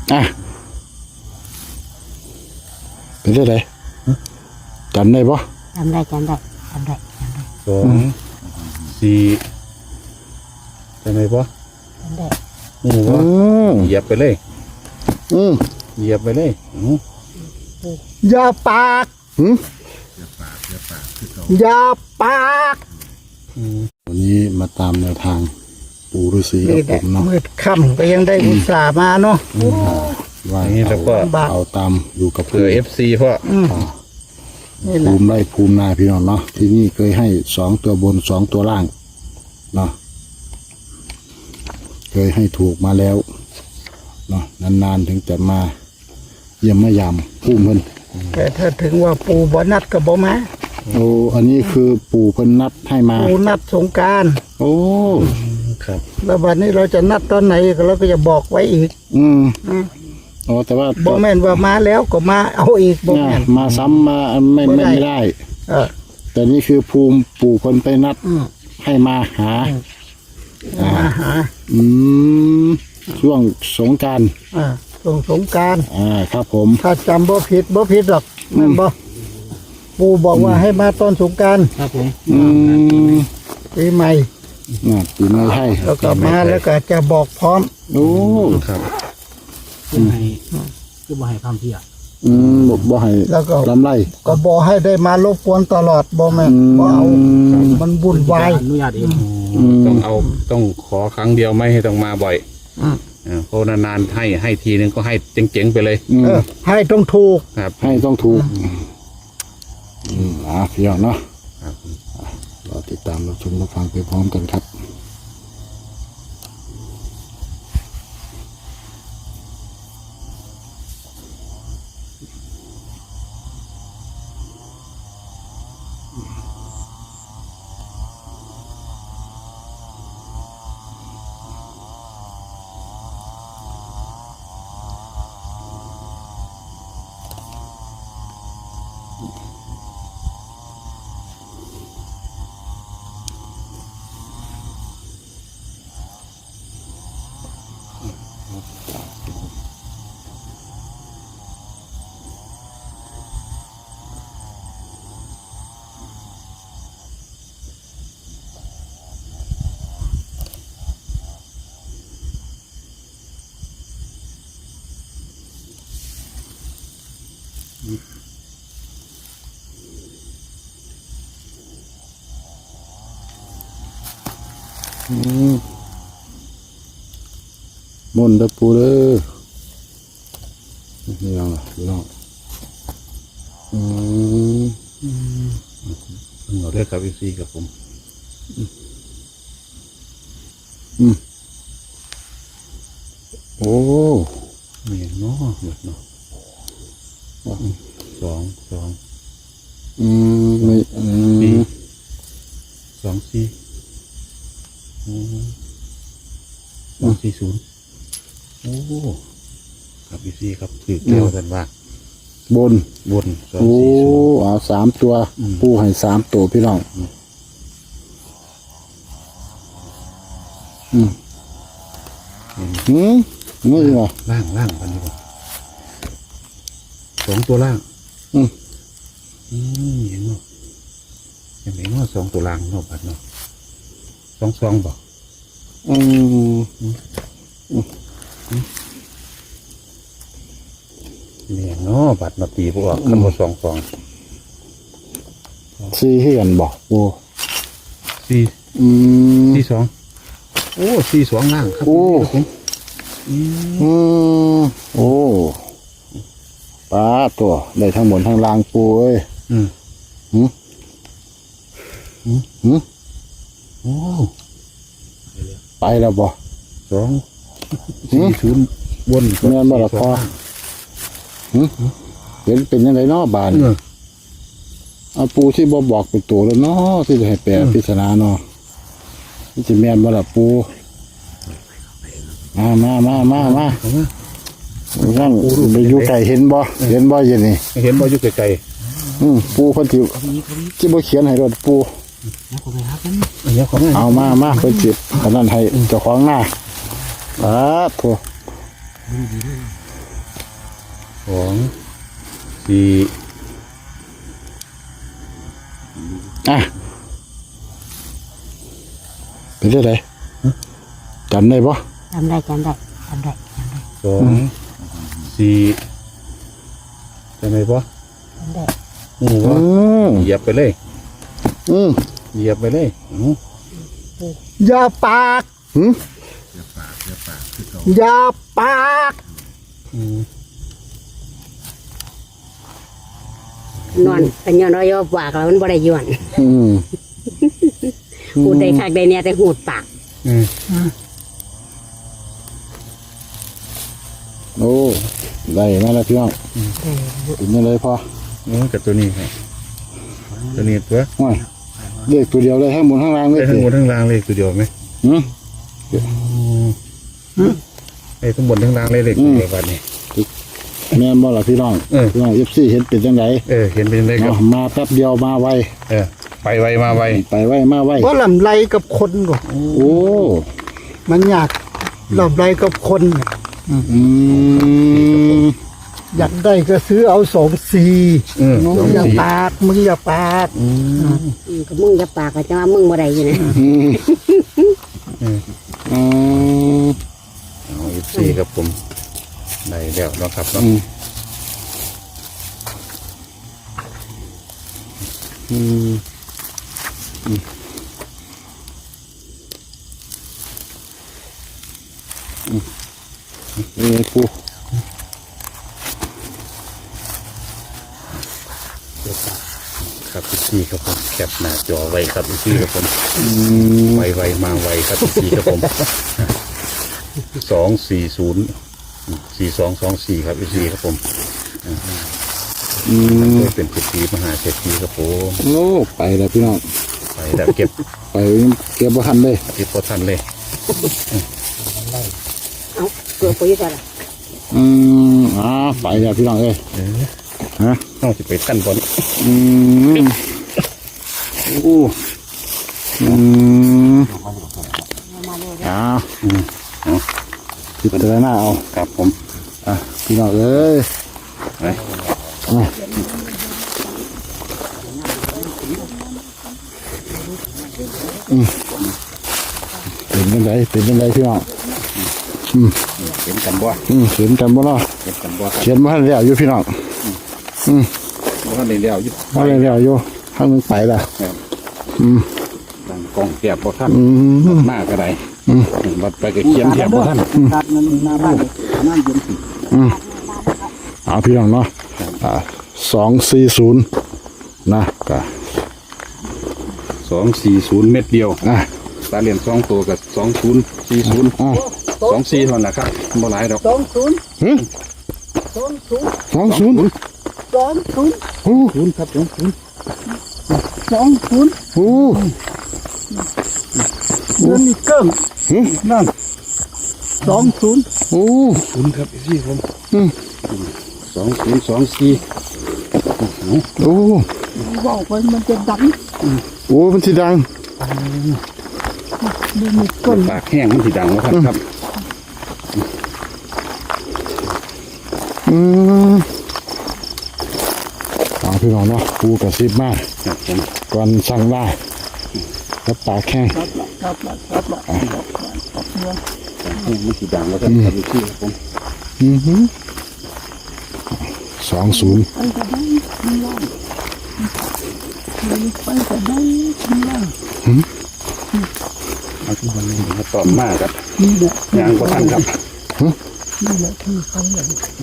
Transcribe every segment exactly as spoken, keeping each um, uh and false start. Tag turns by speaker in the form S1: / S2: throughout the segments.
S1: อ่ะเป็นได้ไงจำได้ปะ
S2: จำได้จำได้จำได้จำได้
S3: สองสี่จำได้ปะ
S2: จำได้
S3: โอ้โหเหยียบไปเลย
S1: อืม
S3: เหยียบไปเลย
S1: อย่าปากหืมอย่าปากวันนี้มาตามแนวทางปู่ฤาษีกับผมเนาะ
S4: มืดค่ำก็ยังได้อุตส่าห์มาเนาะ
S1: ว่าเอาเอาตามอยู่กับ
S3: เผื่อเอฟซีเพราะ
S1: ภูมิไร่ภูมินาพี่น้องเนาะที่นี่เคยให้สองตัวบนสองตัวล่างเนาะเคยให้ถูกมาแล้วเนาะนานๆถึงจะมาเยี่ยมมายามภูมิเพิ่น
S4: แต่ถ้าถึงว่าปู่บ่นัดก็บ่มา
S1: โอ้อันนี้คือปู่เพิ่นนัดให้มา
S4: ปู่นัดสงกรานต์
S1: โอ้
S3: ครับ
S4: แล้ววันนี้เราจะนัดตอนไหนเราก็จะบอกไว้อีก
S1: อืมอ๋อแต่ว่า
S4: บ่แม่นว่ามาแล้วก็มาเอาอีกบ่แม่น
S1: มาซ้ำมาไม่ไม่ได้
S4: เออ
S1: แต่นี่คือภูมิปู่เพิ่นไปนัดให้มาหา
S4: มาหา
S1: อืมช่วงสงกรานต์
S4: อ่าช่วงสงกรานต์
S1: อ่าครับผม
S4: ถ้าจำบ่ผิดบ่ผิดหรอกแม่นบ่ปู่บอกว่าให้มาตอนสงกรานต์
S3: ครับผม
S1: อืม
S4: ปีใหม่
S1: น่ะปีใหม่ให้
S4: แล้วก็มาแล้วก็จะบอกพร้อม
S1: โอ้
S3: ครับ
S5: คือให้คือบ่ให้ความเที่ย
S1: อืมบ่ให้
S4: แล้วก็
S1: ลำไร
S4: ก็บ่ให้ได้มารบกวนตลอดบ่แม่นบ่เอามันวุ่นวาย
S5: อนุญาตเอง
S3: ต้องเอาต้องขอครั้งเดียวไม่ให้ต้องมาบ่อยเพราะนานๆให้ให้ทีนึงก็ให้เจ๋งๆไปเลย
S4: เออให้ต้องถูก
S3: ครับ
S1: ให้ต้องถูกอืมอ่ะพี่น้องเนาะเราติดตามเราชมเราฟังไปพร้อมกันครับมนต์เด้อปูเด้อนี่ยังล่ะพี่น้องอืม
S3: เราได้ครับอีซีกับผม
S1: อืมโอ้
S3: นี่เนาะหมดเนาะสองสอง
S1: อืมไม่อืม
S3: สองสี่สองสี่ศูนย์โอ้ครับพี่ซีครับถือเกี่ยวกันว่า
S1: บน
S3: บน
S1: โอ้เอาสามตัวปูให้สามตัวพี่น้องอืมอืมนี่เหรอ
S3: ล่างล่างอันนี้ก่อนสองตัวล่าง
S1: อืม
S3: อืมเห็นไหมเห็นไหมว่าสองตัวล่างเนาะบัดเนาะสองสองบอก
S1: อืม
S3: เนี่ยเนาะบัดมาตีพวกขึ้นมาสองสอง
S1: สี่เฮียนบอกโอ้
S3: สี่
S1: อืม
S3: สี่สองโอ้สี่สองล่างครับ
S1: โอ้อืมโอ้ป้าตัวได้ทั้งหมดทั้งล่างปูเอ้ย
S3: อืม
S1: หืมหืมหืม
S3: โอ้
S1: ไปแล้วบ่
S3: สองสี่ศูนย์บน
S1: เงินบ่ละพอเห็นเป็นยังไงเนาะบานเอาปูที่บ่บอกเป็นตัวแล้วเนาะที่จะให้แปลพิจารณาเนาะนี่จะแม่นบ่ละปูมามามามามานั่งไปอยู่ไก่เห็นบ่เห็นบ่เย็นนี่
S3: เห็นบ่อยู่ไกล
S1: ๆอืมปูเพิ่นสิที่บ่เขียนให้รถปูเอามามาเพิ่นสิอันนั้นให้เจ้าของหน้าอ่าโธ่
S3: สองสี่
S1: อ่ะเป็นได้ไดจำได้ปะ
S2: จำได้จำได้จำได้จำได้
S3: สองสี่จำได้ปะ
S2: จำได้
S3: โอ้โห
S1: อืม
S3: เหยียบไปเลย
S1: อืม
S3: เหยียบไปเลยอื้อ
S4: อย่าปาก
S1: หืม
S4: อย่าปาก
S3: อืม
S2: นอนเป็นย้อนรอยปากแล้วมันบ่ได้ย้อน
S1: อืม
S2: พูดได้คักได้เนี่ยแต่หูดปาก
S3: อืม
S1: โอ้ได้มาแล้วพี่น้องเป็นยังไงพอ
S3: โอ้กับตัวนี้ครับตัวนี้ตัว
S1: โอ้ยเลขตัวเดียวเลยทั้งบนทั้งล่างเลย
S3: ได้ทั้งหมดทั้งรางเลยตัวเดียวไหม
S1: อืม
S3: ไอ้ทั้งบนทั้งรางเลยเลยตัวเดียวกันนี่
S1: แม่นบ่ล่ะพี่น้อง
S3: เออ
S1: พี่น้องเอฟซีเห็นเป็นจังได
S3: เออเห็นเป็นได้ครั
S1: เนาะ
S3: บ
S1: มาแป๊บเดียวมาไว
S3: เออไปไวมาไว
S1: ไปไวมาไว
S4: ว่าลำไรกับคนก่อน
S1: โอ้
S4: มันอยากลำไรกับคนเนี่ย
S1: อืม
S4: อยากได้ก็ซื้อเอาสองสี่
S3: เออส
S4: มึ
S3: อง
S4: งอย่า
S3: สี่
S4: ปากมึงอย่าปาก
S2: อืมก็มึงจะปากก็จะว่ามึงบ่ได้อยู่นะ
S1: อืมอืม
S3: เอาอีกสี่ครับผมได้แล้วเนาะครับเนาะ
S1: อืมอืมอืมอืมนี่ไงปู
S3: ครับอีกสี่ครับผมแคปหน้าจอไว้ครับอีกสี่ครับผม
S1: อืม
S3: ไวไวมาไวครับอีกสี่ครับผมสองสี่ศูนย์สี่สองสองสี่ครับอีกสี่ครับผม
S1: อืม
S3: ก็เป็นสิทธิมหาเศรษฐีครับผม
S1: โอ้ไปแล้วพี่น้อง
S3: ไปแล้วเก็บ
S1: ไปเก็บบ่ทันเลย
S3: ที่พอท่านเลย
S2: เอ้าเกิดไปอยู่แต่ละ
S1: อืมอ่าไปแล้วพี่น้องเอ้ย
S3: เออ
S1: ฮะ
S3: ต้องจะไปท่านบอล
S1: อืมโอ้อืม
S2: มาเลย
S1: อ่า
S3: อืมเอา
S1: พิจารณาเอา
S3: ครับผม
S1: อ่ะพี่น้องเอ้ย
S3: ไป
S1: อ่ะอืมเป็นยังไงเป็นยังไงพี่น้อง
S3: เห็นกันบ่
S1: อืมเขียนกันบ่เนาะ
S3: เห็นกันบ่ครับ
S1: เขียนบ่ทันแล้วอยู่พี่น้อง
S3: บ่ทันได้แล้วอยึด
S1: บ่ทันแล้วอยู่ทางนึงไปละ อืม
S3: ตั้งกล้องเก็บบ่ท่าน
S1: อืม
S3: มากก็ได้
S1: อืม
S3: บัดไปก็เขียนแถบบ่ท่าน
S4: ตัดมันหน้าบ้านน้ำเย็น
S1: อืมเอาพี่น้องเนาะอ่าสองสี่ศูนย์นะก็
S3: สองสี่ศูนย์เม็ดเดียว
S1: อ่ะ
S3: ตาเหรียญสองตัวกับสองศูนย์สี่ศูนย์
S1: อ่ะ
S3: สองสี่เท่านั้นนะครับบ่หลายดอก
S4: สองศูนย์
S1: หึ
S4: สองศูนย์
S1: สองศูนย์
S4: สองศูนย์
S1: โอ้
S3: ศูนย์ครับสองศูนย์
S4: สองศูนย์
S1: โห
S4: เงินนี่เกิ้ง
S1: หึ
S4: นั่นสองศูนย์
S1: โอ้
S3: ศูนย์ครับพี่ผม
S1: อืม
S3: สองศูนย์สองสี่
S1: โอ้
S4: ว่าไปมันจะดัง
S1: โอ้มันสิดัง
S4: เงินนี่เกิ้ง
S3: ปากแห้งมันสิดังนะครับครับ
S1: อืมเอาพี่น้องเนาะปูกระซิบมาก
S3: ครับผม
S1: ก่อนสั่งได้แล้วปากแข้ง
S4: ครับละครับละครับละ
S3: แห้งมันสิดังแล้วครับครับพี่ผม
S1: อือหือสองศูนย์
S4: ไปก็ได้ข้างล่างไปก็ได้ข้างล่าง
S3: เอาที่วันนี้มาตอบมากครับ
S4: นี่แหละ
S3: ยางก็ท่านครับ
S4: นี่แหละที่เขาอย่าง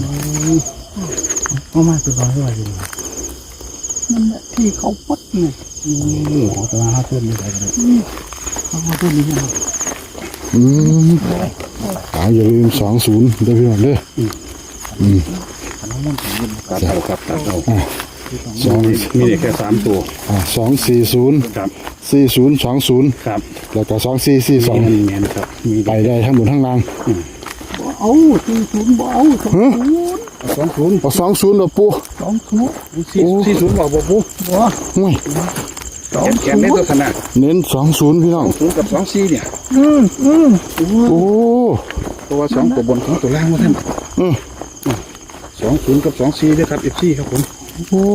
S5: เอามาตัวร้อยว่าอยู่
S4: นั่นแหละที่เขาปัดไง
S5: โอ้ตัวห้าเพื่อนไม่ได้เลย
S4: เขามาตัวนี้นะ
S1: อืมเอาอย่าลืมสองศูนย์เด้อพี่น้องเด้ออืม
S3: ตัดเอาครับตัดเอา
S1: สอง
S3: มีเด็กแค่สามตัว
S1: อ่าสองสี่ศูนย์
S3: ครับ
S1: สี่ศูนย์สองศูนย์
S3: ครับ
S1: แล้วก็สองสี่สี่สอง
S3: มีเงินครับมี
S1: ไปได้ทั้งบนทั้งล่าง
S4: บ่เอาสี่ศูนย์บ่เอาสองศูนย์
S3: สองศูนย์
S1: เอาสองศูนย์เอาปู
S4: สองศูนย์
S3: สี่สี่ศูนย์บอกบอกปุ๊บ
S4: บ่
S1: ห่วย
S4: สอง
S3: แก
S4: ศู
S3: น
S4: น
S3: ได้
S4: ย์
S3: ตัวขนาด
S1: เน้นสองศูนย์พี่น้อง
S3: ศูนย์กับสองสี่เนี่ย
S4: อืมอืม
S1: โอ้
S3: ตัวสองตัวบนของตัวล่างว่าท่าน
S1: อืม
S3: สสองศูนย์กับสองสี่ด้วยครับเอฟซีครับผม
S1: โอ้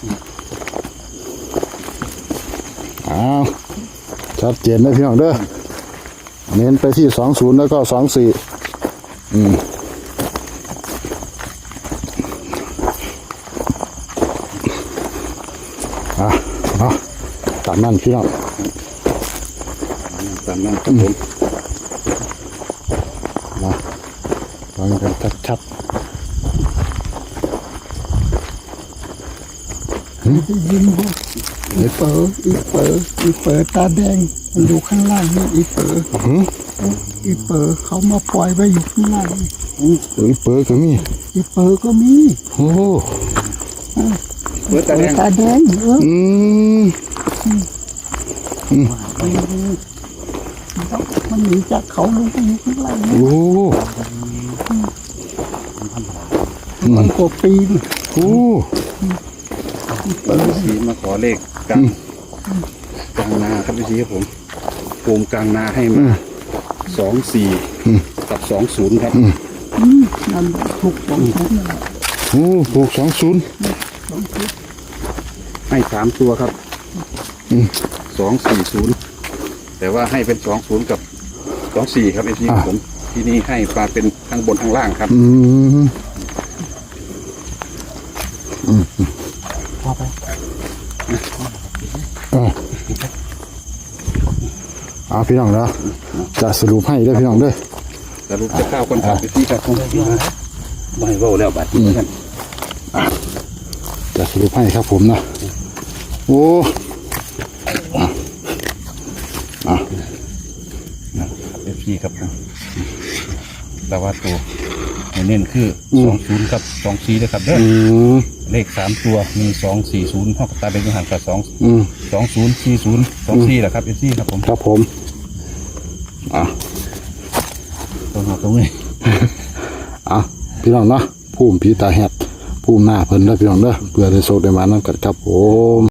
S1: อ้าวชัดเจนนะพี่น้องเด้อเน้นไปที่สองศูนย์แล้วก็สองสี่อืมอ่ะเนาะตามนั้นพี่น้อง
S3: ตามนั้นครับผม
S1: มาฟังกันชัด
S4: ได้ยินบ่อีเป๋ออีเป๋ออีเป๋อตาแดงมันอยู่ข้างล่างนี่อีเป๋อ
S1: ๆหือ
S4: อีเป๋อเขามาปล่อยไว้อยู่ข้างล่างนี่
S1: เอ้ยเปิดก็มี
S4: อีเป๋อก็มี
S1: โอ้
S3: เปิดตาแดง
S4: ตาแดงเออ
S1: อืม
S4: มันหนีจากเขาลงไปอยู่ข้างล่างนี่
S1: โอ้
S4: มันกว่าปีน
S1: โอ้
S3: สีมาขอเลขกลางกลางนาครับพี่ซีครับผมภูมิกลางนาให้มาสองสี่กับสองศูนย์ครับ
S4: อืมนั่นถูกสองคนนั่นแหละ
S1: โอ้ถูกสองศูนย์
S3: ให้สามตัวครับสองสี่ศูนย์แต่ว่าให้เป็นสองศูนย์กับสองสี่ครับพี่ซีครับผมที่นี่ให้มาเป็นทั้งบนทั้งล่างครับ
S1: อืม
S5: พอไป
S1: อ่าเอาพี่น้องนะจะสรุปให้เด้อพี่น้องเด้อ
S3: สรุปจะข้าวคนขับพี่ซีครับผมไม่เว้าแล้วบัดนี้กัน
S1: จะสรุปให้ครับผมนะโอ้อ่ะอ่ะ
S3: เอฟซีครับผมแต่ว่าตัวเน้นคือสองศูนย์กับสองสี่นะครับเด้อ
S1: อืม
S3: เลขสามตัวมีสองสี่ศูนย์ห้องตาเป็นหันกับสอง
S1: อืม
S3: สองศูนย์สี่ศูนย์สองสี่แหละครับเอฟซีครับผม
S1: ครับผมอ่ะ
S3: ตรงหัวตรงนี้
S1: อ่ะพี่น้องเนาะภูมิผีตาแหดภูมิหน้าเพิ่นเด้อพี่น้องเด้อเพื่อได้โชคได้มานั่นกันครับผม